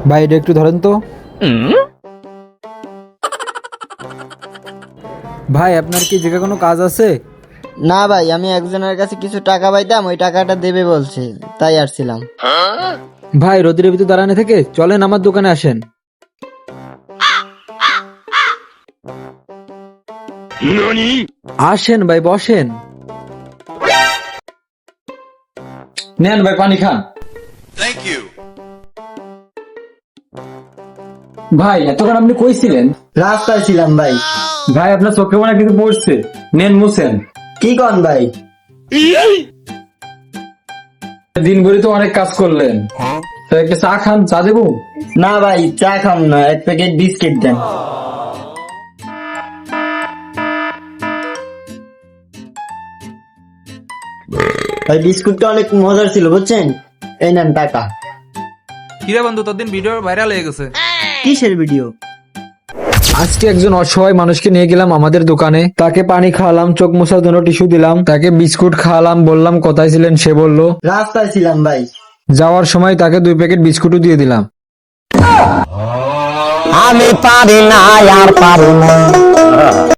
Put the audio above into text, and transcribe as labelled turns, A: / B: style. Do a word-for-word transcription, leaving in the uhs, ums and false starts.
A: ভাই এটা একটু ধরেন তো। ভাই আপনার কি জায়গায় কোনো কাজ আছে?
B: না ভাই, আমি একজনের কাছে কিছু টাকা পাইতাম, ওই টাকাটা দেবে বলছে, তাই আসছিলাম।
A: ভাই রোদের ভিতর দাঁড়ানো থেকে চলেন আমার দোকানে আসেন। আসেন ভাই বসেন। নেন ভাই পানি খান। ভাই এতক্ষণ আপনি কই ছিলেন?
B: রাস্তায় ছিলাম ভাই।
A: ভাই আপনার চোখে মনে হয় কিছু পড়ছে, নেন মুছেন।
B: কি কন ভাই?
A: দিন ভরে তো অনেক কাজ করলেন, তো একটা চা খান, চা দেবো?
B: না ভাই, চা খাম না, এক প্যাকেট বিস্কিট দেন। ভাই বিস্কুটটা অনেক মজার ছিল বুঝছেন, এই নেন টাকা।
C: কিরে বন্ধু, তোর দিন ভিডিও ভাইরাল হয়ে গেছে।
B: কিসের ভিডিও?
A: আজকে একজন অসহায় মানুষকে নিয়ে গেলাম আমাদের দোকানে, তাকে পানি খাওয়ালাম, চোখ মোছার জন্য টিস্যু দিলাম, তাকে বিস্কুট খাওয়ালাম, বললাম কোথায় ছিলেন, সে বললো
B: রাস্তায় ছিলাম ভাই।
A: যাওয়ার সময় তাকে দুই প্যাকেট বিস্কুটও দিয়ে দিলাম।
D: আমি পারি না আর পারি না।